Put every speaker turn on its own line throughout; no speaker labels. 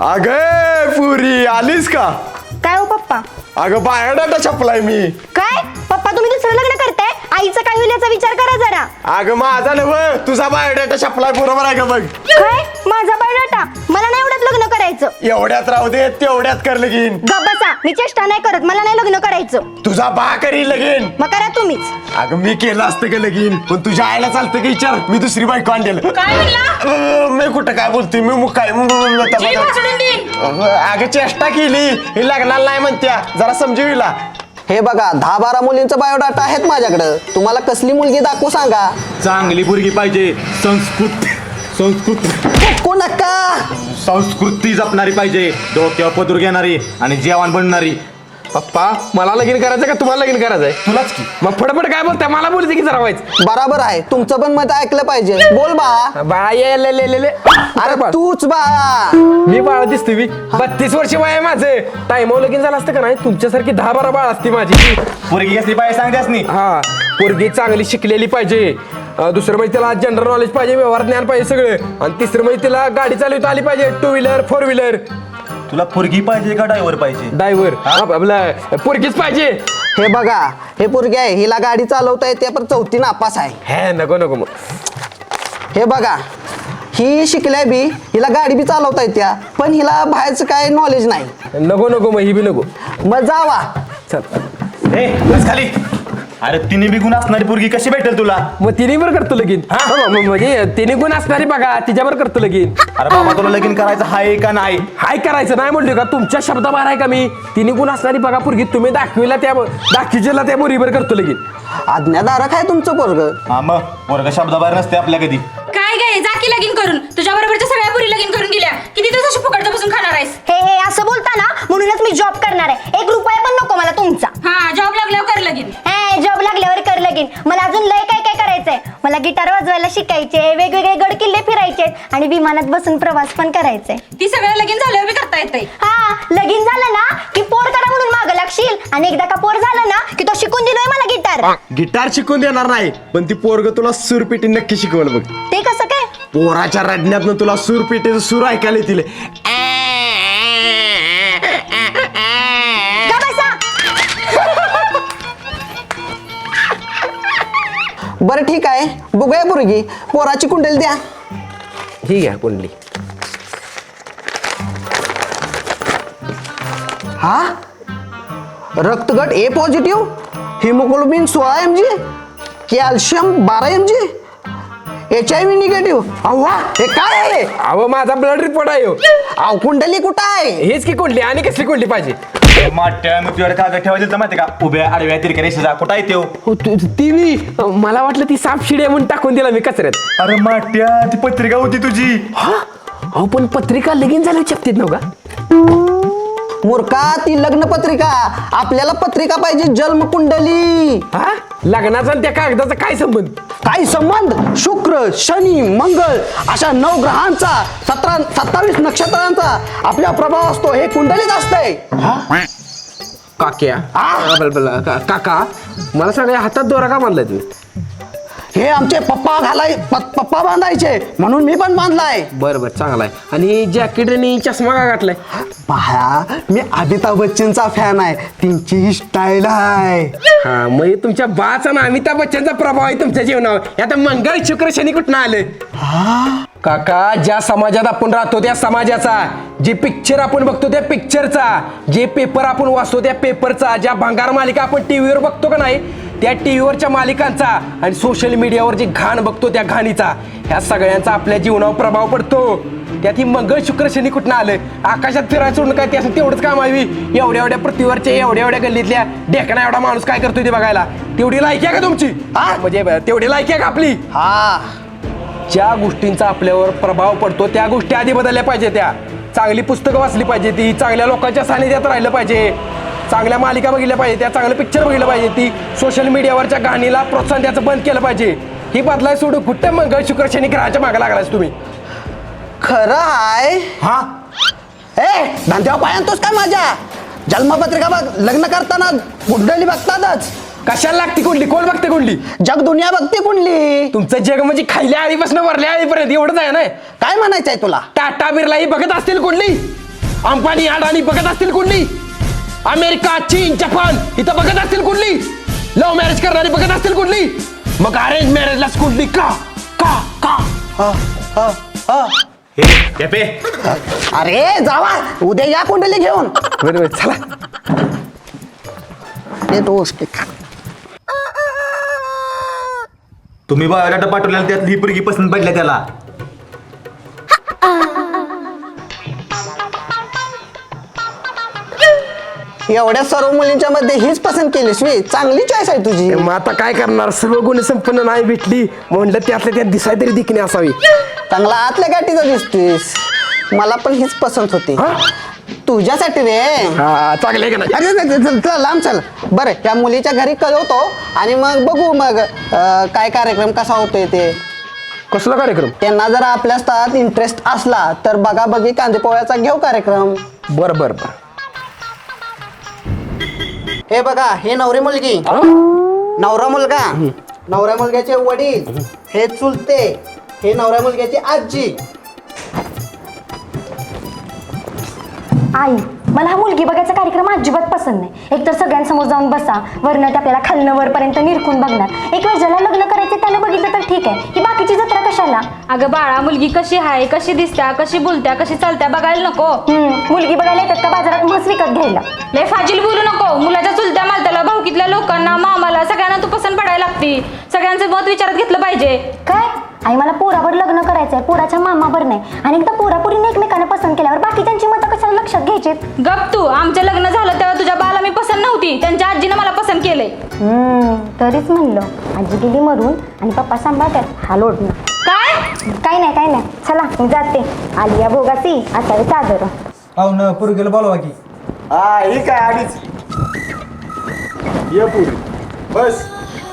अगं पुरी आलीस का?
काय हो पप्पा?
अगं बायोडाटा छापलाय मी.
काय पप्पा तुम्ही दुसरं लग्न करताय? आईचं काय होईल याचा विचार करा जरा.
अगं माझा नव तुझा बायोडाटा छापलाय बरोबर आहे का बघ.
काय माझा बायोडाटा? मला नाही एवढ्यात लग्न करायचं.
एवढ्यात राहू दे तेवढ्यात कर लगीन.
गप्प बसा, मी चेष्टा नाही करत. मला नाही लग्न करायचं.
तुझा बा करी लगीन.
मग करा तुम्हीच.
अगं मी केलं असतं का लगीन पण तुझ्या आईला चालतं का विचार. मी दुसरी बायको आणलेलं.
काय म्हणला?
मी कुठं काय बोलते मी मुक काय
जीभ भासडून देईन.
अगं चेष्टा केली ही लग्नाला नाही म्हणत्या जरा समजूला.
हे बघा 10-12 मुलींचा बायोडाटा आहेत माझ्याकडं. तुम्हाला कसली मुलगी दाखवू सांगा.
चांगली पोरगी पाहिजे. संस्कृत
नका
संस्कृती जपणारी पाहिजे. डोक्यावर पदर घेणारी आणि जेवण बनणारी.
पप्पा मला लगीन करायचं का तुम्हाला लगीन करायचंय?
तुलाच की.
मग फटाफट काय बोलताय? मला बोलते की जरा व्हायचं.
बरोबर आहे तुमचं पण मत ऐकलं पाहिजे. बोल बा.
बाय
अरे तूच बा.
मी बाळ दिसते मी 32 वर्ष वय आहे माझं. टाइमवर लगीन झालं असतं का नाही तुमच्यासारखी 10-12 बाळ असते माझी.
पोरगी कसली पाहिजे सांगतेस नी.
हा पोरगी चांगली शिकलेली पाहिजे. दुसरं म्हणजे त्याला जनरल नॉलेज पाहिजे, व्यवहार ज्ञान पाहिजे सगळं. आणि तिसरं म्हणजे तिला गाडी चालवता आली पाहिजे. 2 व्हीलर 4 व्हीलर.
तुला पोरगी पाहिजे का ड्रायव्हर पाहिजे?
ड्रायव्हर आपला पोरगीच पाहिजे.
हे बघा हे पोरगी आहे हिला गाडी चालवता येते पण 4थी नापास आहे.
हे नको मग.
हे बघा ही शिकल्या बी हिला गाडी बी चालवता येत्या पण हिला बाहेरचं काय नॉलेज नाही.
नको मग ही बी नको.
मग जावा.
चल
ए बस खाली. अरे तिने बी गुण असणारी पोरगी कशी भेटेल तुला?
मग तिने बरं करतो लगीन. म्हणजे तिने गुण असणारी बघा तिच्यावर करतो लगीन.
अरे बाबा तुला लगीन करायचं हाय का नाही?
हाय करायचं नाही म्हणलो का? तुमच्या शब्दाबाहेर आहे का मी? तिने गुण असणारी बघा पोरगी तुम्ही दाखविजेला त्या मुलीवर करतो लगीन.
आज्ञाधारक आहे तुमचं पोरग.
हा मग पोरग शब्दाबाहेर नसते आपल्या कधी.
काय गे जा की लगीन करून. तुझ्या बरोबरच्या सगळ्या पुरी लगीन करून गेल्या. किती दिवस अशी फुकटचं बसून खाणार आहेस?
हे असं बोलता ना म्हणूनच मी जॉब करणार आहे. 1 रुपया पण नको मला तुमचा.
हा जॉब लागल्यावर कर लगीन.
जॉब लागल्यावर कर लगीन. मला अजून लय काय काय करायचंय. मला गिटार वाजवायला शिकायचे, वेगवेगळे गड किल्ले फिरायचे आणि विमानात बसून प्रवास पण करायचे.
ती सगळं लगीन झाल्यावर बी करता येतंय.
हा लगीन झालं ना की पोर करा म्हणून मागं लागशील आणि एकदा का पोर झालं ना की तो शिकून दिलोय मला गिटार.
गिटार शिकून देणार नाही पण ती पोरग तुला सूरपेटी नक्की शिकवल बघ.
ते कसं काय?
पोराच्या रडण्यातनं तुला सूरपेटीचं सूर ऐकायला येतील.
का बसा?
बरं ठीक आहे बघूया पोरगी. पोराची कुंडली द्या.
ठीक आहे कुंडली.
हा रक्तगट A positive, haemoglobin 16 mg, calcium 12 mg, HIV negative. अव्वा हे काय आहे?
अहो माझा ब्लड रिपोर्ट आहे ह्यो.
अहो कुंडली कुठं आहे?
हेच की कुंडली. आणि कसली कुंडली पाहिजे?
माट्या मग तुझ्याकडे कागद ठेवायचं माहिती का? उभ्या आडव्या तिरक्या रेषेचा कुठं आहे त्यो?
ती मी मला वाटलं ती साप शिडी आहे म्हणून टाकून दिला मी कचऱ्यात.
अरे माट्या ती पत्रिका होती तुझी.
अहो पण पत्रिका लगीन झाली छापतीत नव्हता.
मूर्खा ती लग्न पत्रिका. आपल्याला पत्रिका पाहिजे जन्म कुंडली.
हा लग्नाचा आणि त्या कागदाचा काय संबंध?
काय संबंध? शुक्र शनी मंगळ अशा 9 ग्रहांचा 27 नक्षत्रांचा आपल्या प्रभाव असतो. हे कुंडलीत असतंय.
काक्या काका मला सांगा हातात दोरा का बांधलाय तुम्ही?
हे आमचे पप्पा बांधायचे म्हणून मी पण बांधलाय.
बरं चांगला आहे. आणि जॅकेट आणि चष्मा का घातलाय?
पहा मी अमिताभ बच्चनचा फॅन आहे. त्यांची ही स्टाईल आहे.
हा मग तुमच्या बाचा ना अमिताभ बच्चनचा प्रभाव आहे तुमच्या जीवनावर. आता मंगळ शुक्र शनी कुठं आलं? काका ज्या समाजात आपण राहतो त्या समाजाचा, जे पिक्चर आपण बघतो त्या पिक्चरचा, जे पेपर आपण वाचतो त्या पेपरचा, ज्या भंगार मालिका आपण टीव्हीवर बघतो का नाही त्या टीव्हीवरच्या मालिकांचा आणि सोशल मीडियावर जे घाण बघतो त्या घाणीचा, ह्या सगळ्यांचा आपल्या जीवनावर प्रभाव पडतो. त्यात ही मंगळ शुक्र शनी कुठं आलं? आकाशात फिरायचं सोडून काय त्यासाठी तेवढंच काम आहे? एवढ्या पृथ्वीवरच्या एवढ्या गल्लीतल्या ढेकणा एवढा माणूस काय करतोय ते बघायला तेवढी लायकी आहे का तुमची? म्हणजे तेवढी लायकी आहे का आपली?
हा
ज्या गोष्टींचा आपल्यावर प्रभाव पडतो त्या गोष्टी आधी बदलल्या पाहिजे. त्या चांगली पुस्तकं वाचली पाहिजे, ती चांगल्या लोकांच्या सानिध्यात राहिलं पाहिजे, चांगल्या मालिका बघितल्या पाहिजे, त्या चांगलं पिक्चर बघितलं पाहिजे, ती सोशल मीडियावरच्या गाणीला प्रोत्साहन द्यायचं बंद केलं पाहिजे. ही बदलाय सोडून कुठं मंगळ शुक्र शनी ग्रहाच्या मागे लागलास तुम्ही?
खरं आहे.
हा
ए धंद्यावर पायांतोस काय माझ्या? जन्मपत्रिका बघ लग्न करताना कुंडली बघतातच.
कशाला लागते कुंडली? कोण बघते कुंडली?
जग दुनिया बघते कुंडली.
तुमचं जग म्हणजे खायल्या आळीपासून वरल्या आळीपर्यंत एवढंच आहे ना?
काय म्हणायचंय तुला?
टाटा बिर्ला ही बघत असतील कुंडली? अंबानी अडाणी बघत असतील कुठली? अमेरिका, चीन, जपान इथं बघत असतील कुठली? लव्ह मॅरेज करणारी बघत असतील कुठली? मग अरेंज मॅरेजलाच कुठली का का का?
हे टेपे,
अरे जावा उद्या या कुंडली घेऊन.
बरोबर चला.
ते दोस्त
तुम्ही बायोडाटा पाठवलेला त्यात ही पोरगी पसंत पडल्या त्याला.
एवढ्या सर्व मुलींच्या मध्ये हीच पसंत केली स्वी. चांगली चॉईस आहे तुझी.
मग आता काय करणार, सर्व गुण संपन्न नाही भेटली म्हणलं त्यातल्या त्यात दिसाय तरी दिखणे असावी.
चांगला आतल्या गाठीचा दिसतोस. मला पण हीच पसंत होती तुझ्यासाठी रे.
हा चांगलं आहे का नाही?
अरे चल लांब चल. बरं त्या मुलीच्या घरी कळवतो आणि मग बघू मग काय कार्यक्रम कसा होतोय ते.
कसला कार्यक्रम?
त्यांना जर आपल्या स्थळात इंटरेस्ट असला तर बघा बघी कांदेपोळ्याचा घेऊ कार्यक्रम.
बर बर बर.
हे बघा हे नवरी मुलगी, नवरा मुलगा, नवऱ्या मुलग्याचे वडील, हे चुलते, हे नवऱ्या मुलग्याची आजी.
आई मला हा मुलगी बघायचा कार्यक्रम अजिबात पसंत नाही. एकतर सगळ्यांसमोर जाऊन बसा, वरनं ते आपल्याला खालनं वरपर्यंत निरखून बघणार. एक वेळ ज्याला लग्न करायचं त्यानं बघितलं तर ठीक आहे, ही बाकीची जत्रा कशाला?
अगं बाळा, मुलगी कशी आहे, कशी दिसत्या, कशी बोलत्या, कशी चालत्या बघायला नको?
मुलगी बघायला येतात का बाजारात म्हस विकत घ्यायला?
लय फाजील बोलू नको. मुलाच्या चुलत्या मालत्याला, भाऊकीतल्या लोकांना, मामाला सगळ्यांना तू पसंत पडायला लागती. सगळ्यांचं मत विचारात घेतलं पाहिजे.
काय आई मला पोरावर लग्न करायचंय, पोराच्या मामावर नाही. आणि एकदा पोरापोरीने एकमेकांना पसंत केल्यावर बाकीच्यांची मतं कशाला लक्षात घ्यायची?
गप तू. आमचं लग्न झालं तेव्हा तुझ्या बाला मी पसंत नव्हती, त्यांच्या आजीनं मला पसंत केलंय.
तरीच म्हणलं आजी गेली मरून आणि पप्पा सांभाळतात हा लोडणं.
काय
काय नाही चला मी जाते. आलिया भोगासी असावे चादर.
पाहुणं पोरगेला बोलवा की.
हा ही काय आधीच ये पुढे बस.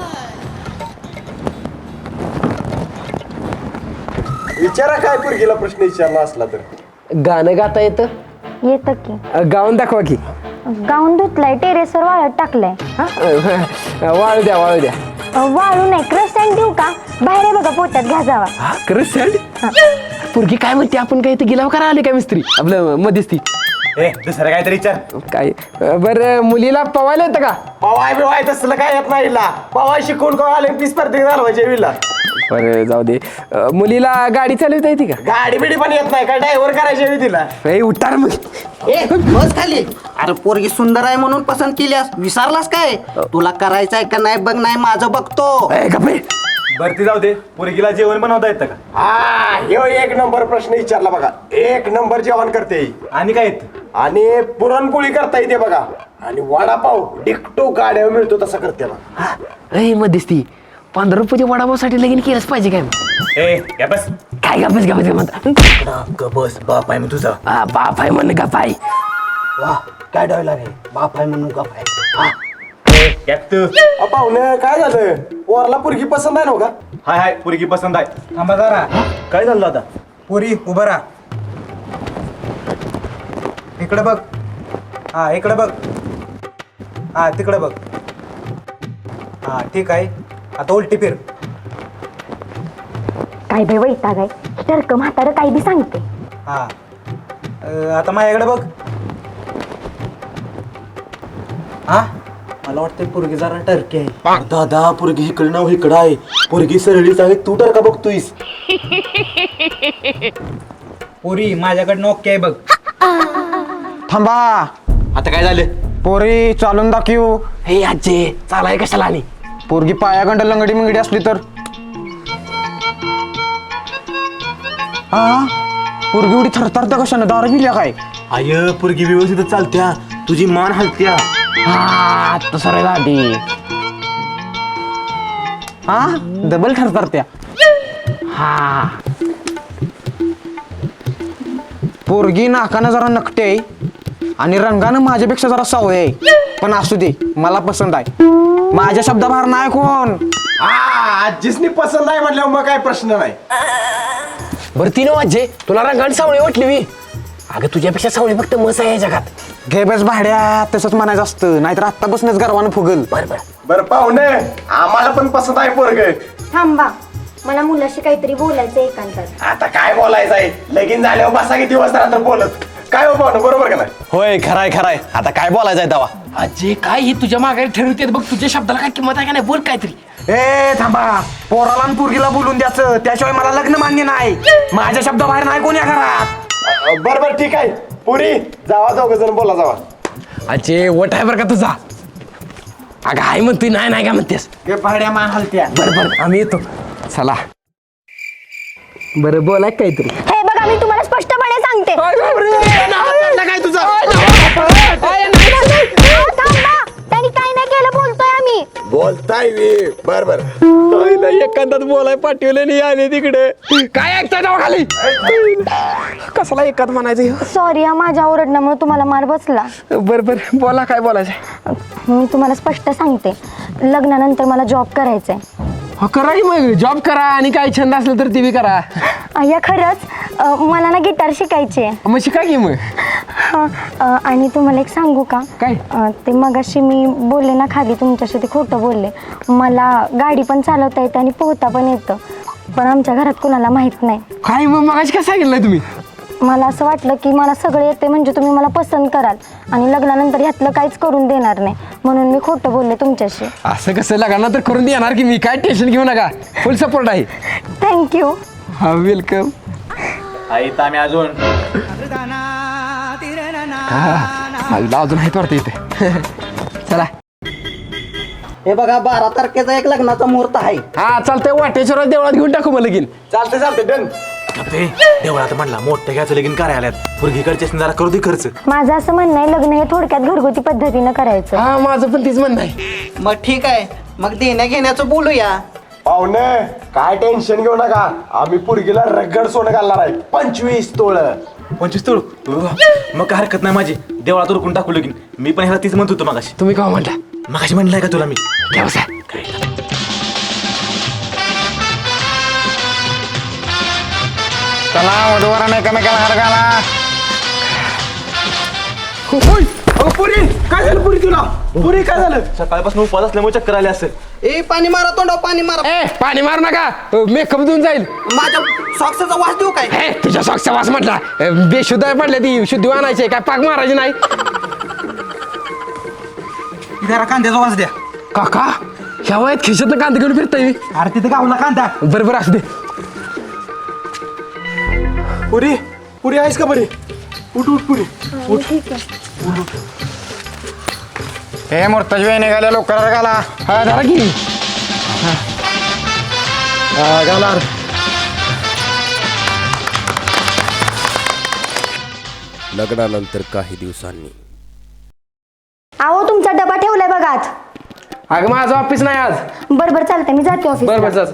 विचारा काय पोरगीला प्रश्न विचारला असला तर.
गाणं गाता येतं?
येतं की.
गाऊन दाखवा की.
गाऊन धुतलाय, टेरेसवर वाळत टाकलाय.
वाळू द्या वाळू द्या.
वाळू नाही, क्रश सँड देऊ का? बाहेर आहे बघा, पोटात घ्या जावा.
खरंच सॅड. पोरगी काय म्हणते, आपण काय इथं गिलाव करा आले काय मिस्त्री आपलं मध्यस्थी?
ए दुसरं काहीतरी विचार.
काय बरं, मुलीला पवायला येतं का?
पवाय बिवाय तसलं काय येत नाही हिला. पवाय शिकून कोण ऑलिम्पिक स्पर्धेत घालवायचे विला.
बरं जाऊ दे. मुलीला गाडी चालवता येते का?
गाडी बिडी पण येत नाही काय, ड्रायव्हर करायचे हवी तिला.
ए उतार मग.
ए बस खाली. अरे पोरगी सुंदर आहे म्हणून पसंत केल्यास विसरलास काय? तुला करायचं आहे का नाही बघ, नाही माझं बघतो.
ए गप्पे.
भरती जाऊ दे. पोरगीला जेवण बनवता येतं का?
हा ह्यो एक नंबर प्रश्न विचारला बघा. एक नंबर जेवण करते ही.
आणि काय येतं?
आणि पुरणपोळी करता येते बघा. आणि वडापाव डिकटो गाड्यावर मिळतो तसा करते बघा.
ए मध्यस्थी 15 रुपयाच्या वडापावसाठी लगीन केलंच पाहिजे काय?
ए या बस.
काय गप्पच गप्पच म्हणता?
बस बाप आहे मग तुझा.
हा बाप आहे म्हण गप आहे.
वा काय डायलॉग आहे. बाप आहे म्हणून गप आहे.
पाहुणे काय झालं, पोरला पोरगी पसंत आहे नव्ह का?
हाय हाय पोरगी पसंत आहे.
थांबा जरा.
काय झालं आता?
पोरी उभं राहा. इकडे बघ. हा इकडे बघ. हा तिकडे बघ. हा ठीक आहे. आता उलटी फिर.
काय बाई वैताग आहे, टरक म्हातारं काय बी सांगते.
हा आता माझ्याकडे बघ. हा मला वाटतं पोरगी जरा टर्की आहे.
दादा पोरगी इकडे नाव इकडं आहे. पोरगी सरळीच आहे, तू तर का बघतोयस?
पोरी माझ्याकडनं ओके आहे बघ.
थांबा,
आता काय झालं?
पोरी चालून दाखवू.
हे आजे चालाय कशाला आली?
पोरगी पायागंड लंगडी मंगडी असली तर? हा पोरगी एवढी थरथरता कशानं, दारू पिल्या काय?
आय पोरगी व्यवस्थित चालत्या, तुझी मान हलत्या.
हा तसं रे आधी.
हा डबल थरथरत्या.
हा
पोरगी नाकानं जरा नकटे आहे आणि रंगानं माझ्यापेक्षा जरा सावळे आहे. पण असू दे, मला पसंत आहे. माझ्या शब्दाबाहेर नाही कोण. आजीसनी पसंत आहे म्हटल्यावर मग काय प्रश्न नाही.
बरं ती नव्ह आजे, तुला रंगाने सावळी वाटली मी? अगं तुझ्यापेक्षा सावळी फक्त मस आहे या जगात.
घे बस भाड्या, तसंच म्हणायचं असतं, नाहीतर आत्तापासूनच गर्वानं फुगल.
बरं बरं.
बरं पाहुणे, आम्हाला पण पसंत आहे पोरग.
थांबा, मला मुलाशी काहीतरी बोलायचं एकांतात.
आता काय बोलायचं आहे, लगीन झाल्यावर बसा किती दिवस राहतं बोलत.
काय हो पाहुणं, बरोबर का नाही?
होय खराय खराय. आता काय बोलायचंय तेव्हा?
अजय काय हे तुझ्या माघारी ठरवते बघ, तुझ्या शब्दाला काय किंमत आहे का नाही, बोल काहीतरी.
ए थांबा, पोराला आणि पोरगीला बोलून द्याचं, त्याशिवाय मला लग्न मान्य नाही. माझ्या शब्दाबाहेर नाही कोण या घरात.
बरोबर ठीक आहे. पुरी जावा, दोघ जण बोला जावा. अजय वट आहे बरं का तुझा. अगं आहे म्हणतोय, नाही नाही का म्हणतेस.
भाड्या मान हलत्या.
बरं आम्ही येतो. चला बरं बोलाय काहीतरी.
हे बघा मी तुम्हाला स्पष्टपणे सांगते.
काय तुझा
थांबा, त्यांनी काही नाही केलं बोलतोय आम्ही.
बोलताय बर बर. एखाद्यात बोलाय पाठवले नाही आले तिकडे. काय ऐकताय नाव खाली. कसला एकात म्हणायचं.
सॉरी माझ्या ओरडण्यामुळे तुम्हाला मार बसला.
बर बोला, काय बोलायचं.
मी तुम्हाला स्पष्ट सांगते, लग्नानंतर मला जॉब करायचा आहे.
हो करा की मग, जॉब करा आणि काय छंद असलं तर ते बी करा.
या खरंच मला ना गिटार शिकायची आहे.
मग शिका की मग.
आणि तुम्हाला एक सांगू का.
काय?
ते मगाशी मी बोलले ना खाली तुमच्याशी, ते खोटं बोलले. मला गाडी पण चालवता येते आणि पोहता पण येतं, पण आमच्या घरात कोणाला माहित नाही.
काय मग मगाशी काय सांगितलं नाही तुम्ही.
मला असं वाटलं की मला सगळं येते म्हणजे तुम्ही मला पसंत कराल आणि लग्नानंतर ह्यातलं काहीच करून देणार नाही, म्हणून मी खोटं बोलले तुमच्याशी.
असं कसं लग्नानंतर तर करून देणार की मी, काय टेन्शन घेऊ नका, फुल सपोर्ट आहे.
थँक्यू.
हा वेलकम.
आई तर आम्ही अजून
आईला अजून आहेत वाटतं इथे. चला.
हे बघा 12 तारखेचा एक लग्नाचा मुहूर्त आहे.
हा चालतंय, वाटेश्वर देवळात घेऊन टाकू मला लगीन.
चालते डन.
देवळात म्हणला मोठं घ्यायचं लगीन कार्यालयात, पोरगीकडचे जरा करू दे खर्च.
माझं असं म्हणणं आहे, लग्न हे थोडक्यात घरगुती पद्धतीनं करायचं.
हा माझं पण तीच म्हणणं आहे.
मग ठीक आहे, मग देण्या घेण्याचं बोलूया.
पाहुणे काय टेन्शन घेऊ नका, आम्ही पुरगीला रगड सोनं घालणार आहे 25 तोळ.
25 तोळ. मग काय हरकत नाही माझी, देवळात उरकून टाकू लगीन. मी पण ह्याला तीच म्हणत होतो मगाशी.
तुम्ही काय म्हणता.
मगाशी म्हणलंय का तुला मी.
ठेवसा.
चला वधूवरांना एकमेकाला हार घाला.
पुरी काय झालं, पुरी तुला. पुरी काय झालं.
सकाळपासून उपवास असल्यामुळे चक्कर आले असेल.
ए पाणी मारा तोंडावर, पाणी मारा.
ए पाणी मारू नका, मेकअप देऊन जाईल.
माझ्या सॉक्सचा वास देऊ काय.
हे तुझ्या सॉक्सचा वास म्हटला. बेशुद्ध पडल्या ती, शुद्धी आणायची काय, पाक मारायची नाही.
जरा कांद्याचा वास द्या.
काका ह्या वयात खिशातनं कांदा घेऊन फिरताय.
अरे तिथे गावला कांदा.
बरोबर असू दे.
पुरी पुरी आहेस का बरी. उठ उठ पुरी.
हे मोर्ताज वेळ निघाल्या लवकर घाला.
हा झाला की.
घाला.
लग्नानंतर काही दिवसांनी.
अहो तुमचा डबा ठेवलाय बघा आत.
अगं माझं ऑफिस नाही आज.
बरोबर चालतंय, मी जाते ऑफिस.
बरोबर चाल.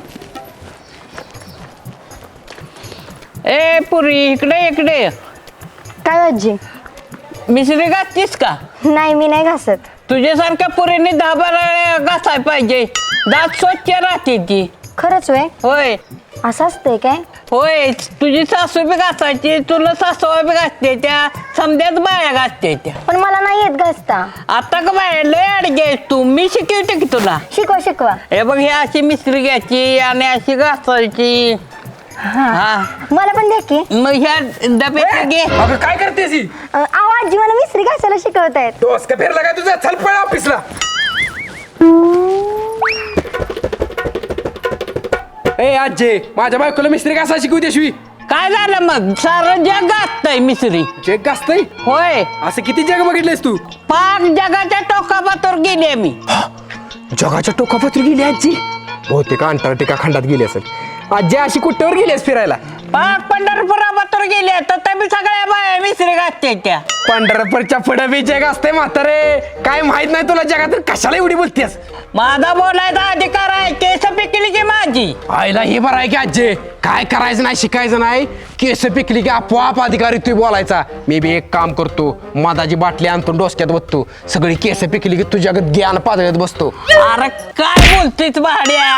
ए पुरी इकडे इकडे.
काय आजी.
मिसरी घातलीस का.
नाही मी नाही घासत.
तुझ्यासारख्या पुरीने 10-12 घासाय पाहिजे, दात स्वच्छ राहते ती.
खरंच होय.
होय
असं असतंय काय.
होय, तुझी सासू बी घासायची, तुला सासूवा बी घासते, त्या समद्यात बाया घासते त्या.
पण मला नाही येत घासता.
आता का बाया लय अडगे तू, मी शिकवते की तुला.
शिकवा शिकवा.
हे बघ, ही अशी मिसरी घ्यायची आणि अशी घासायची. हा
मला पण द्या की.
मग ह्या डब्यात घे.
अगं काय करतेस ही.
अहो आजी मला मिसरी घासायला शिकवतायत.
डोस का फिरला काय तुझा. चल पळ ऑफिसला. ए आजे माझ्या बायकोला मिस्त्री कसा शिकवू देशवी.
काय झालं मग, सारं जग घासतंय मिसरी.
जग गाजतंय.
होय,
असं किती जग बघितलेस तू.
पाक जगाच्या टोकापातोर गेली मी.
जगाच्या टोकापत्री गेली आजी. बहुतेक अंटार्क्टिका खंडात गेली असेल. आजी अशी कुठेवर गेलीस फिरायला.
पाक पंढरपुरापातोर गेली, तर तुम्ही सगळ्या बाया मिसरी घासते त्या.
पंढरपूरच्या पुढे बी जग असते म्हातारे. काय माहित नाही तुला जगात, कशाला एवढी बोलतेस.
माझा बोलायचा अधिकार आहे, केस पिकली की माझी.
आईला हे बरं आहे की आजी, काय करायचं नाही शिकायचं नाही, केस पिकली की आपोआप अधिकारी तू बोलायचा. मी बी एक काम करतो, मधाची बाटली आणतो डोसक्यात बसतो, सगळी केस पिकली की तुझ्या ज्ञान पातळीत बसतो.
अरे काय बोलतेस भाड्या.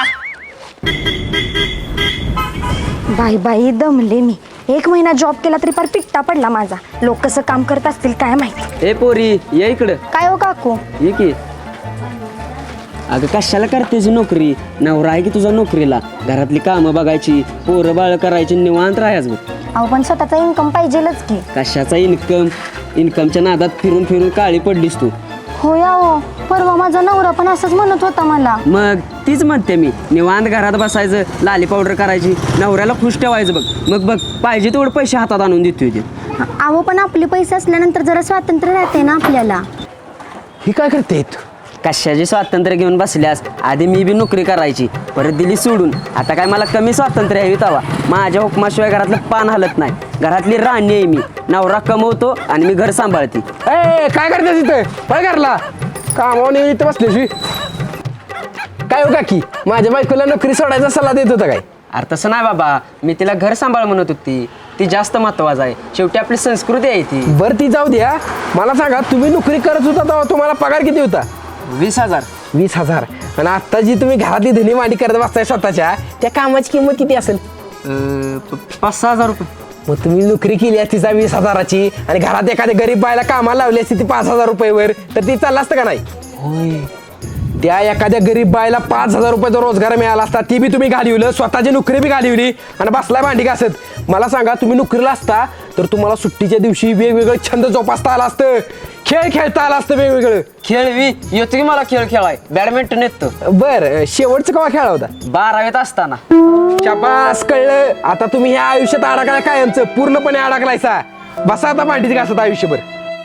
बाई बाई दमले मी. 1 महिना जॉब केला तरी फार पिट्टा पडला माझा. लोक कसं काम करत असतील काय माहिती.
ए पोरी ये इकडं.
काय हो काकू.
ये की. अगं कशाला करतेस नोकरी, नवरा आहे की तुझा नोकरीला. घरातली कामं बघायची, पोरं बाळ करायची, निवांत राहायच बघ.
अहो पण स्वतःचा इन्कम पाहिजेलच की.
कशाचा इन्कमच्या नादात फिरून फिरून काळी पडलीस तू.
हो या हो, परवा माझा नवरा पण असंच म्हणत होता मला.
मग तीच म्हणते मी, निवांत घरात बसायचं, लाली पावडर करायची, नवऱ्याला खुश ठेवायचं बघ. मग बघ पाहिजे तेवढे पैसे हातात आणून देतोय ते.
अहो पण आपले पैसे असल्यानंतर जरा स्वातंत्र्य राहते ना आपल्याला.
ही काय करते
कशाचे स्वातंत्र्य घेऊन बसल्यास, आधी मी बी नोकरी करायची, परत दिली सोडून. आता काय मला कमी स्वातंत्र्य हवी तवा. माझ्या हुकमाशिवाय घरातलं पान हलत नाही. घरातली राणी आहे मी, नवरा कमवतो आणि मी घर सांभाळते.
ए काय करते तिथे काय करला कामावर इथं बसल्याशी. काय हो काकी, माझ्या बायकोला नोकरी सोडायचा सल्ला देत होता काय?
अरे तसं नाही बाबा, मी तिला घर सांभाळ म्हणत होती. ती जास्त महत्वाचं आहे, शेवटी आपली संस्कृती आहे ती.
बरं ती जाऊ द्या, मला सांगा तुम्ही नोकरी करत होता तेव्हा तुम्हाला पगार किती होता?
20,000.
20,000. आणि आता जी तुम्ही घरातली धनी मांडी करत बसताय स्वतःच्या, त्या कामाची किंमत किती असेल?
5,000 रुपये.
मग तुम्ही नोकरी केली असती 20,000ची आणि घरात एखाद्या गरीब बायला कामाला लावली असती ती 5,000 रुपयेवर, तर ती चाललं असतं का नाही?
होय.
त्या एखाद्या गरीब बायला 5,000 रुपयाचा रोजगार मिळाला असता, ती बी तुम्ही घालवलं, स्वतःची नोकरी बी घालवली आणि बसलाय भांडी घासत. मला सांगा, तुम्ही नोकरीला असता तर तुम्हाला सुट्टीच्या दिवशी वेगवेगळं छंद जोपासता आला असतं, खेळ खेळता आला असतं वेगवेगळं.
खेळवी येतो की मला खेळ खेळाय, बॅडमिंटन येतो.
बरं, शेवटचं केव्हा खेळा होता?
12वीत असताना.
शाबास, कळलं. आता तुम्ही ह्या आयुष्यात अडकलाय कायमचं, पूर्णपणे अडकलायसा. बसा आता भांडीच घासत आयुष्यभर.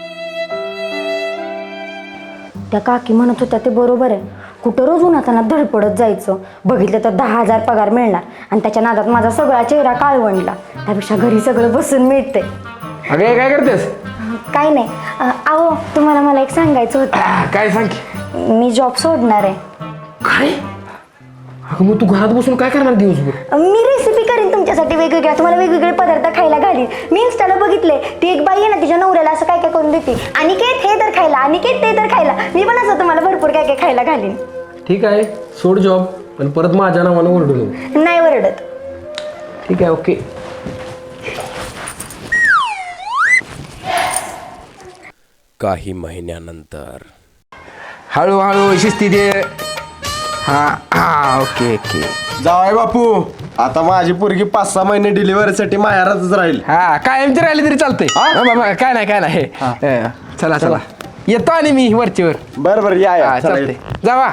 त्या काकी म्हणत होत्या ते बरोबर आहे. कुठं रोज उन्हाताना धडपडत जायचं, बघितलं तर 10,000 पगार मिळणार आणि त्याच्या नादात माझा सगळा चेहरा काळवंडला. त्यापेक्षा घरी सगळं बसून मिळते.
अगे काय करतेस?
काय नाही. अहो तुम्हाला मला एक सांगायचं होतं.
काय सांग.
मी जॉब सोडणार आहे.
काय? अगं मग तू घरात बसून काय करणार दिवसभर?
मी रेसिपी करीन तुमच्यासाठी वेगवेगळ्या, तुम्हाला वेगवेगळे पदार्थ खायला घालीन. मी इंस्टाला बघितले, ती एक बाई आहे ना तिच्या नवऱ्याला असं काय काय करून देते, अनिकेत हे तर खायला, अनिकेत ते तर खायला. मी पण असं तुम्हाला भरपूर काय काय खायला घालीन.
ठीक आहे, सोड जॉब, पण परत माझ्या नावानं ओरडू नको.
नाही वरडत.
ठीक आहे, ओके.
काही महिन्यानंतर.
हळूहळू शिस्ती दे. हा ओके ओके.
जावाय बापू, आता माझी पोरगी 5-6 महिने डिलिव्हरीसाठी माहेरातच राहील.
हा कायमची राहिली तरी चालतंय. काय नाही काय नाही. चला चला, येतो आणि मी वरचीवर.
बरं बरं, या
चालते, जावा.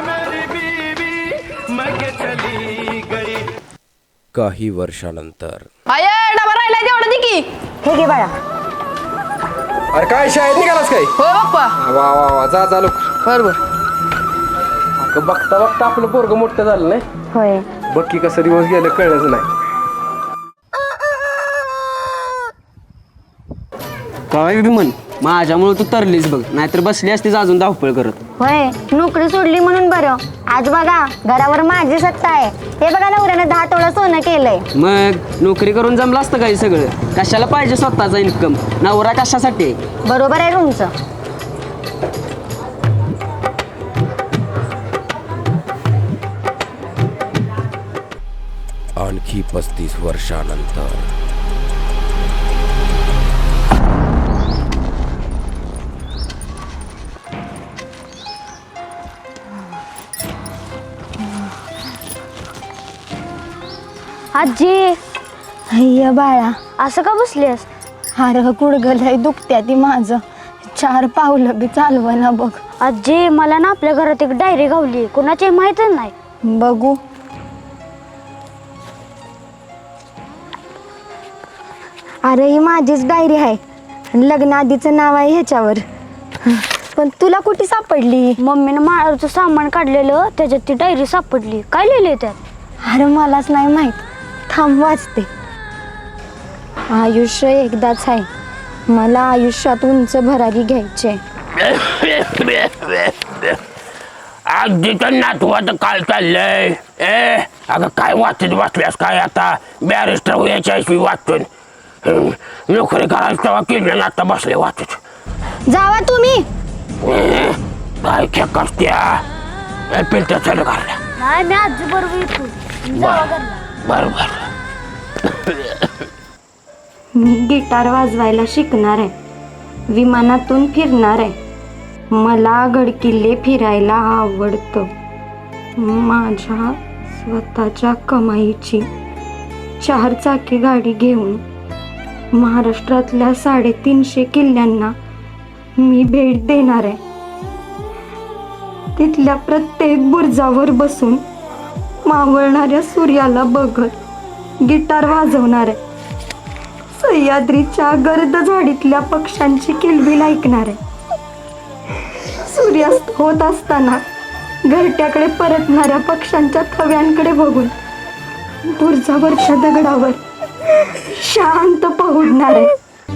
काही वर्षानंतर.
डबा राहिला तेवढं दे की.
हे घे बाळा.
अरे काय शाळेत निघालास काय?
हो बाप्पा.
वा वा वा, जा चालू.
बरोबर.
बघता बघता आपलं पोरगं मोठं झालं नाही.
होय.
बघ की कसं दिवस गेलं कळलंच नाही.
काय बी म्हण, माझ्यामुळे तू तरलीस बघ, नाहीतर बसली असतीस अजून धावपळ करत.
होय, नोकरी सोडली म्हणून बरं. आज बघा घरावर माझी सत्ता आहे. हे बघा नवऱ्यानं 10 तोळा सोनं केलंय.
मग नोकरी करून जमलं असतं काही सगळं. कशाला पाहिजे स्वतःचा इन्कम? नवरा कशासाठी?
बरोबर आहे तुमचं.
आणखी 35 वर्षानंतर.
आजी, अय्या बाळा, असं का बसलीस? हार गुडगलय दुखत्या ती माझं. 4 पावलं बी चालवना बघ. आजी, मला ना आपल्या घरात एक डायरी गावली, कोणाची माहीतच नाही. बघू. अरे ही माझीच डायरी आहे, लग्न आधीचं नाव आहे ह्याच्यावर. पण तुला कुठे सापडली? मम्मीनं माळाचं सामान काढलेलं, त्याच्यात ती डायरी सापडली. काय लिहिलंय त्यात? अरे मलाच नाही माहित, थांब वाचते. आयुष्य एकदाच आहे, मला आयुष्यात उंच भरारी घ्यायचे.
अगदीचं नातवाचं काय चाललंय? अगं काय वाचत बसल्यास काय? आता बॅरिस्टर व्हायच्या वाचतून नोकरी करायचं तेव्हा केलं ना, आता बसले वाचत.
जावा तुम्ही.
काय खेक असत्या पिलत्या चालू करल्या.
नाही, मी आजी बरोबर येतो.
बरोबर.
मी गिटार वाजवायला शिकणार आहे, विमानातून फिरणार आहे, मला गडकिल्ले फिरायला आवडतं, माझ्या स्वतःच्या कमाईची 4 चाकी गाडी घेऊन महाराष्ट्रातल्या 350 किल्ल्यांना मी भेट देणार आहे. तिथल्या प्रत्येक बुरुजावर बसून मावळणाऱ्या सूर्याला बघत गिटार वाजवणार आहे. सह्याद्रीच्या गर्द झाडीतल्या पक्ष्यांची किलबिल ऐकणार आहे. सूर्यास्त होत असताना घरट्याकडे परतणाऱ्या पक्ष्यांच्या थव्यांकडे बघून बुरुजावरच्या दगडावर शांत पहुडणार आहे.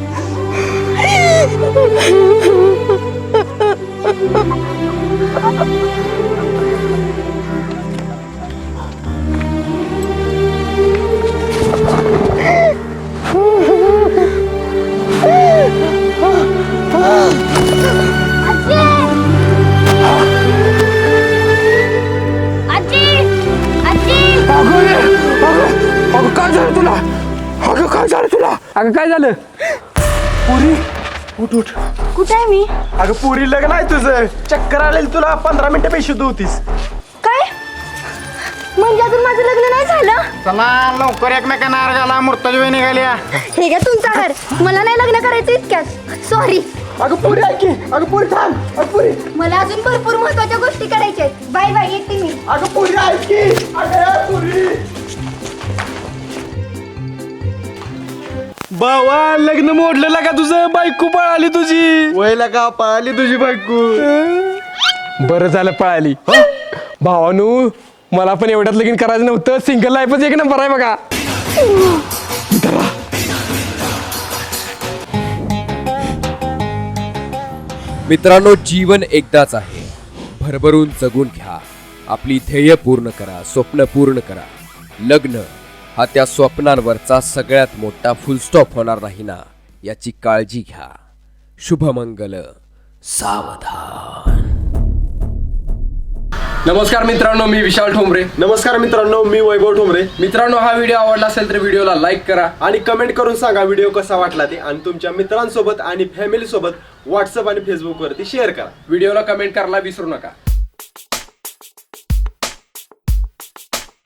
अगं काय झालं तुला? अगं काय झालं तुला? अगं काय झालं?
पुरी उठ उठ.
कुठे आहे मी?
अगं पुरी लग्न आहे तुझं. चक्कर आलेली तुला 15 मिनिटं पैसे होतीस.
काय म्हणजे अजून माझं लग्न नाही झालं?
चला लवकर एकमेकांना अर्गाला मूर्ताची वेळ निघाल्या.
हे घ्या तुमचा घर. मला नाही लग्न करायचं इतक्यात. सॉरी.
अगं पुरी ऐकी. अगं पुरी थांब. अगं पुरी.
मला अजून भरपूर महत्वाच्या गोष्टी करायच्या आहेत. बाय बाय, येते मी.
अगं पुरी ऐकी. अगं पुरी.
बावा लग्न मोडलेला का तुझं? बायको पळाली तुझी.
वयला का पळाली तुझी बायको?
बरं झालं पळाली. भावानू मला पण एवढ्यात लगीन करायचं नव्हतं. सिंगल लाईफच एक नंबर आहे बघा.
मित्रांनो, जीवन एकदाच आहे. भरभरून जगून घ्या. आपली ध्येय पूर्ण करा, स्वप्न पूर्ण करा. लग्न हा त्या स्वप्नांवरचा सगळ्यात मोठा फुलस्टॉप होणार नाही ना, याची काळजी घ्या. शुभमंगल. सावधान.
नमस्कार मित्रांनो, मी विशाल ठोंबरे.
नमस्कार मित्रांनो, मी वैभव ठोंबरे.
मित्रांनो, हा व्हिडिओ आवडला असेल तर व्हिडिओला लाईक करा
आणि कमेंट करून सांगा व्हिडिओ कसा वाटला ते, आणि तुमच्या मित्रांसोबत आणि फॅमिली सोबत व्हॉट्सअप आणि फेसबुक वरती शेअर करा.
व्हिडिओला कमेंट करायला विसरू नका.